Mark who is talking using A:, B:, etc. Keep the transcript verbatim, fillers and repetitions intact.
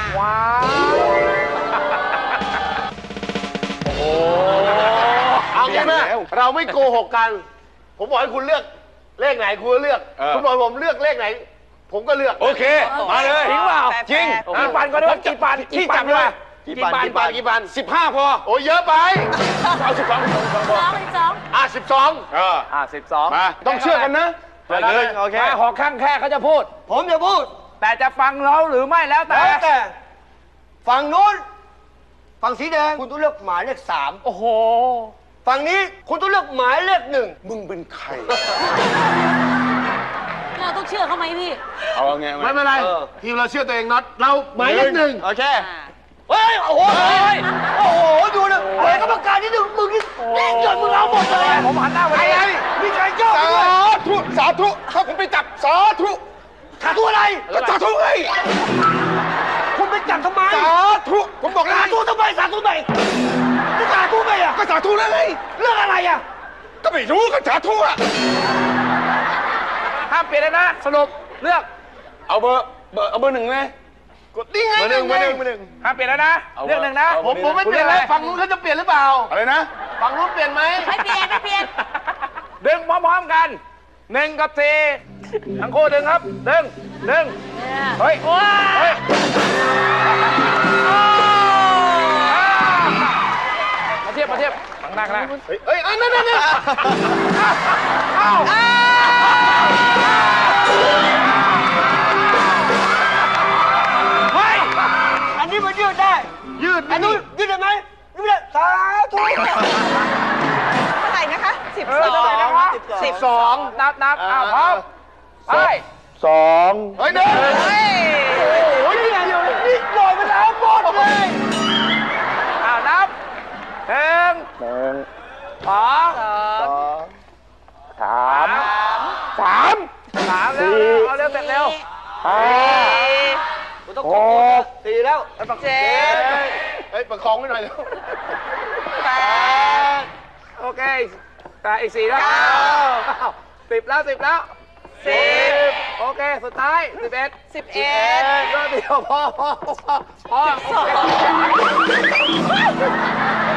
A: ว้าวโอ้เอางี้ไหมเราไม่โกหกกัน ผมบอกให้คุณเลือกเลขไหนคุณเลือกคุณบอกผมเลือกเลขไหนผมก็เลือก
B: โอเคมาเลย
A: จริงเปล่า
B: จริง
A: กี่ปันก็ได้กี่ปันกี่ปันเลยกี่ปันกี่ปันกี่ปัน
B: สิบห้าพอ
A: โอ้เยอะไป
B: เอาสิบสองสิบสองพอ
C: สิบสอง
A: อ่ะสิบสอง
B: เออ
A: อ่ะสิบสอง
B: มาต้องเชื่อกันนะเลยโอเค
A: หอข้างแค่เขาจะพูด
D: ผมจะพูด
A: แต่จะฟังเราหรือไม่แล้วแต่
D: แล้วแต่ฝั่งนู้นฝั่งสีแดงคุณต้องเลือกหมายเลขสาม
A: โอ้โห
D: ฝั่งนี้คุณต้องเลือกหมายเลขหนึ่ง
B: มึงเป็นใคร
C: เราต้องเชื่อเขาไหมพี่
B: เอาไง
A: ไม่เป็นไรทีมเราเชื่อตัวเองน็อตเราหมายเลขหนึ่ง
D: โอเคเฮ้ยโอ้โหโอ้โหดูนะเฮ้ยกรรมการนี่ดูมึงนี่เล่นจนมึงเอาหมดเลย
A: ผมหันหน้าไปอะไร
D: มีใครเจ้า
B: สาธุสาธุถ้าผมไปจับสาธุ
D: สาธุอะไร
B: ก็สาธุไง
D: คุณไปจับทำไม
B: สาธุผมบอกแล้ว
D: สาธุทำไมสาธุไหนจะสาธุไหมอ่ะ
B: ก็สาธุแล้วไง
D: เรื่องอะไรอ่ะ
B: ก็ไม่รู้ก็สาธุอ่ะ
A: ห้ามเปลี่ยนเลยนะสรุปเลือก
B: เอาเบอร์เบอร์เอาเบอร์หนึ่งไหม
A: กดนี่ไง
B: เบอร์หนึ่งเบอร์หนึ่งเบอร์หนึ่ง
A: ห้ามเปลี่ยนแล้วนะเลือกหนึ่งนะผมผมไม่เปลี่ยนเลยฝั่งนู้นเขาจะเปลี่ยนหรือเปล่า
B: อะไรนะ
A: ฝั่งนู้นเปลี่ยนไหม
C: ไม่เปลี่ยนไม่เปลี่ยน
A: ดึงพร้อมๆกันหนึ่งกับสี่ทั้งคู่ดึงครับดึงดึงเฮ้ยเฮ้ยมาเทียบมาเทียบข้างหน้าข้างหน้าเฮ้ยเฮ้ยอันนั้นนั่นอ้าวเฮ้ย
D: อันนี้มันยืดได้
A: ยืด
D: อันนู้นยืดได้ไหมยืดได้สาธุ
C: เท่าไหร่นะคะสิบสอง
A: สิบสองนับนับอ้าวพร้อมไป
B: สอง
A: เฮ้ยเดิน
C: เฮ้ย
A: โอ้ยนี่เดียวนี่ปล่อยไปแล้วหมดเลยอ้าวนับหนึ่ง
B: หนึ่ง
A: สอง
B: สองสามสาม
A: สามเร็วเอาเร็วเสร็จเร็ว
B: ห้าหก
D: สี่แล้ว
C: เจ็ด
A: เฮ้ยประคองไว้หน่อยเร็ว
C: แปด
A: โอเคแต่อีกสี่แล้วสิบแล้วสิบแล้วสิบโอเคสุดท้ายสิบเอ็ด
C: สิบเอ็ด
A: ก็เดียวพอพอพอพอ